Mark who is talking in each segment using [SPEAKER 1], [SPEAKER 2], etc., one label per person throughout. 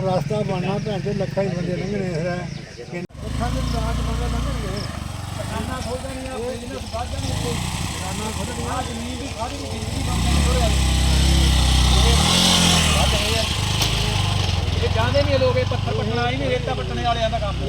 [SPEAKER 1] रास्ता बनना भैन चो लखा ही बंदे लंघने
[SPEAKER 2] जाते नहीं लोग पत्थर पट्टना ही नहीं रेता पट्टने वाले का काम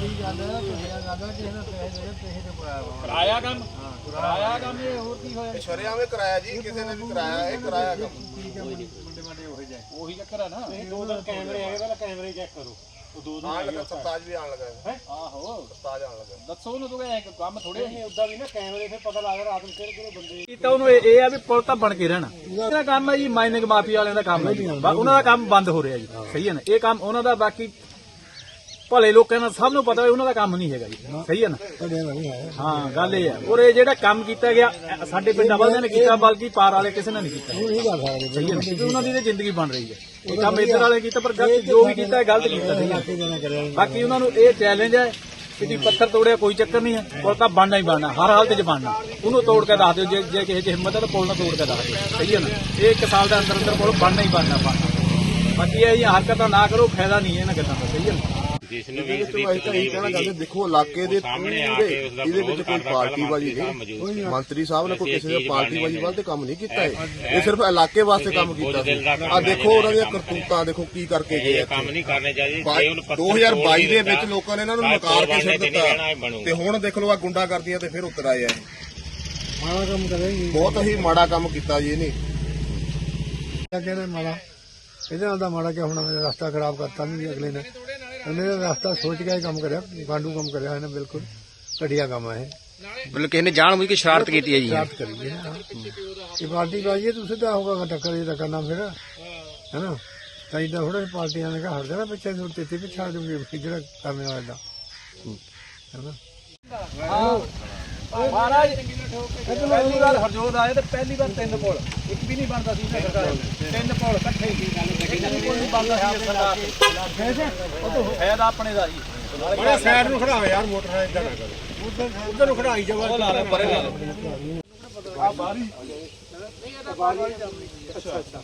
[SPEAKER 2] कराया काम ये होर की होया
[SPEAKER 3] शरेआम कराया जी किसी ने भी कराया है कराया काम
[SPEAKER 2] वही चक्कर है ना
[SPEAKER 1] दो दिन कैमरे आए पहले कैमरे चेक करो
[SPEAKER 3] आने लगा सरताज भी आने लगा है
[SPEAKER 2] आहो
[SPEAKER 3] सरताज आने लगा
[SPEAKER 2] दसो ਨੂੰ तो एक काम थोड़े
[SPEAKER 1] उदा भी ना कैमरे से पता लग रहा रात में किहड़े बंदे
[SPEAKER 2] ਕੀਤਾ ਉਹਨੂੰ ਇਹ ਆ ਵੀ ਪੁਲ ਤਾਂ ਬਣ ਕੇ ਰਹਿਣਾ ਇਹਦਾ ਕੰਮ ਹੈ ਜੀ ਮਾਈਨਿੰਗ ਮਾਫੀਆ ਵਾਲਿਆਂ ਦਾ ਕੰਮ ਹੈ ਜੀ ਉਹਨਾਂ ਦਾ ਕੰਮ ਬੰਦ ਹੋ ਰਿਹਾ ਜੀ ਸਹੀ ਹੈ ਨਾ ਇਹ ਕੰਮ ਉਹਨਾਂ ਦਾ ਬਾਕੀ ਭਲੇ ਲੋਕਾਂ ਦਾ ਸਭ ਨੂੰ ਪਤਾ ਹੈ ਉਹਨਾਂ ਦਾ ਕੰਮ ਨਹੀਂ ਹੈਗਾ ਜੀ ਸਹੀ ਹੈ ਨਾ ਹਾਂ ਗੱਲ ਇਹ ਹੈ ਔਰ ਇਹ ਜਿਹੜਾ ਕੰਮ ਕੀਤਾ ਗਿਆ ਸਾਡੇ ਪਿੰਡਾਂ ਵਾਲਿਆਂ ਨੇ ਕੀਤਾ ਬਲਕਿ ਪਾਰ ਵਾਲੇ ਕਿਸੇ ਨੇ ਨਹੀਂ ਕੀਤਾ ਸਹੀ ਹੈ ਨਾ ਕਿਉਂਕਿ ਉਹਨਾਂ ਦੀ ਤਾਂ ਜ਼ਿੰਦਗੀ ਬਣ ਰਹੀ ਹੈ ਇਹ ਕੰਮ ਇੱਧਰ ਵਾਲੇ ਕੀਤਾ ਪਰ ਗਲਤ ਜੋ ਵੀ ਕੀਤਾ ਗਲਤ ਕੀਤਾ ਬਾਕੀ ਉਹਨਾਂ ਨੂੰ ਇਹ ਚੈਲੰਜ ਹੈ ਕਿ ਪੱਥਰ ਤੋੜਿਆ ਕੋਈ ਚੱਕਰ ਨਹੀਂ ਹੈ ਪੁਲ ਤਾਂ ਬਣਨਾ ਹੀ ਬਣਨਾ ਹਰ ਹਾਲਤ 'ਚ ਬਣਨਾ ਉਹਨੂੰ ਤੋੜ ਕੇ ਦੱਸ ਦਿਓ ਜੇ ਕਿਸੇ 'ਚ ਹਿੰਮਤ ਹੈ ਤਾਂ ਪੁਲ ਨਾ ਤੋੜ ਕੇ ਦੱਸ ਦਿਓ ਸਹੀ ਹੈ ਨਾ ਇਹ 1 ਸਾਲ ਦੇ ਅੰਦਰ ਅੰਦਰ ਪੁਲ ਬਣਨਾ ਹੀ ਬਣਨਾ ਬਾਕੀ ਇਹ ਹਰਕਤਾਂ ਨਾ ਕਰੋ ਫਾਇਦਾ ਨਹੀਂ ਇਹਨਾਂ ਗੱਲਾਂ ਦਾ ਸਹੀ ਹੈ ਨਾ
[SPEAKER 3] देखो इलाके दे ਇਹਦੇ ਵਿੱਚ ਕੋਈ ਪਾਰਟੀਬਾਜ਼ੀ ਨਹੀਂ ਮੰਤਰੀ ਸਾਹਿਬ ਨੇ ਕੋਈ ਕਿਸੇ ਦੇ ਪਾਰਟੀਬਾਜ਼ੀ ਵੱਲ ਤੇ ਕੰਮ ਨਹੀਂ ਕੀਤਾ ਇਹ ਸਿਰਫ ਇਲਾਕੇ ਵਾਸਤੇ ਕੰਮ ਕੀਤਾ ਸੀ ਆ ਦੇਖੋ ਉਹਨਾਂ ਦੀਆਂ ਕਰਤੂਤਾਂ ਦੇਖੋ ਕੀ ਕਰਕੇ ਗਏ
[SPEAKER 4] ਕੰਮ ਨਹੀਂ ਕਰਨੇ ਚਾਹੀਦੇ
[SPEAKER 3] 2022 ਦੇ ਵਿੱਚ ਲੋਕਾਂ ਨੇ ਇਹਨਾਂ ਨੂੰ ਨਕਾਰ ਕੇ ਛੱਡ ਦਿੱਤਾ ਤੇ ਹੁਣ ਦੇਖ ਲਓ ਆ ਗੁੰਡਾ ਕਰਦੀਆਂ ਤੇ ਫਿਰ ਉੱਤਰ ਆਏ ਆ
[SPEAKER 1] ਮਾੜਾ ਕੰਮ ਕਰਿਆ
[SPEAKER 3] ਬਹੁਤ ਹੀ ਮਾੜਾ ਕੰਮ ਕੀਤਾ ਜੀ ਇਹਨੇ
[SPEAKER 1] ਕਹਿੰਦੇ ਮਾੜਾ ਇਹਦੇ ਨਾਲ ਦਾ ਮਾੜਾ ਕਿ ਹੁਣ ਰਸਤਾ ਖਰਾਬ ਕਰਤਾ ਨਹੀਂ ਅਗਲੇ ਨੇ ਉਹਨੇ ਰਸਤਾ ਸੋਚ ਕੇ ਕੰਮ ਕਰਿਆ ਗਾਂਡੂ ਕੰਮ ਕਰਿਆ ਇਹਨੇ ਬਿਲਕੁਲ ਘਟੀਆ ਕੰਮ ਹੈ
[SPEAKER 4] ਮਤਲਬ ਕਿਸੇ ਨੇ ਜਾਣਬੁੱਝ ਕੇ ਸ਼ਰਾਰਤ ਕੀਤੀ ਹੈ ਜੀ
[SPEAKER 1] ਸ਼ਰਾਰਤ ਕਰੀ ਹੈ ਇਹ ਪਾਰਟੀ ਬਾਜੀ ਤੂੰ ਸਿੱਧਾ ਹੋਗਾ ਟੱਕਰ ਇਹ ਤਾਂ ਕਰਨਾ ਫਿਰ ਹੈ ਨਾ ਤਾਂ ਇਦਾਂ ਥੋੜਾ ਪਾਰਟੀਆਂ ਨੇ ਹਟ ਜਾਣਾ ਪਿੱਛੇ ਤੋਂ ਤੇ ਪਿੱਛਾ ਜੂਗੇ ਜਿਹੜਾ ਕਰਨੇ ਵਾਲਾ ਦਾ ਹੈ ਨਾ
[SPEAKER 2] ਮਹਾਰਾਜ ਪਹਿਲੀ ਵਾਰ ਹਰਜੋਤ ਆਏ ਤੇ ਪਹਿਲੀ ਵਾਰ 3 ਪੁਲ ਇੱਕ ਵੀ ਨਹੀਂ ਬਣਦਾ ਸੀ ਸਰਕਾਰ 3 ਪੁਲ ਇਕੱਠੇ ਸੀ ਕੋਈ ਨਹੀਂ ਬਣਦਾ ਸੀ ਸਰਕਾਰ ਉਹ ਤਾਂ ਫਾਇਦਾ ਆਪਣੇ ਦਾ ਜੀ
[SPEAKER 1] ਬੜੇ ਸਾਈਡ ਨੂੰ ਖੜਾਓ ਯਾਰ ਮੋਟਰਸਾਈਕਲ ਇਦਾਂ ਨਾ ਕਰੋ ਉਧਰ ਨੂੰ ਖੜਾਈ ਜਾਵਾ
[SPEAKER 2] ਲਾ ਲੈ ਪਰੇ ਲਾ ਲੈ ਆ ਬਾਰੀ ਅੱਛਾ ਅੱਛਾ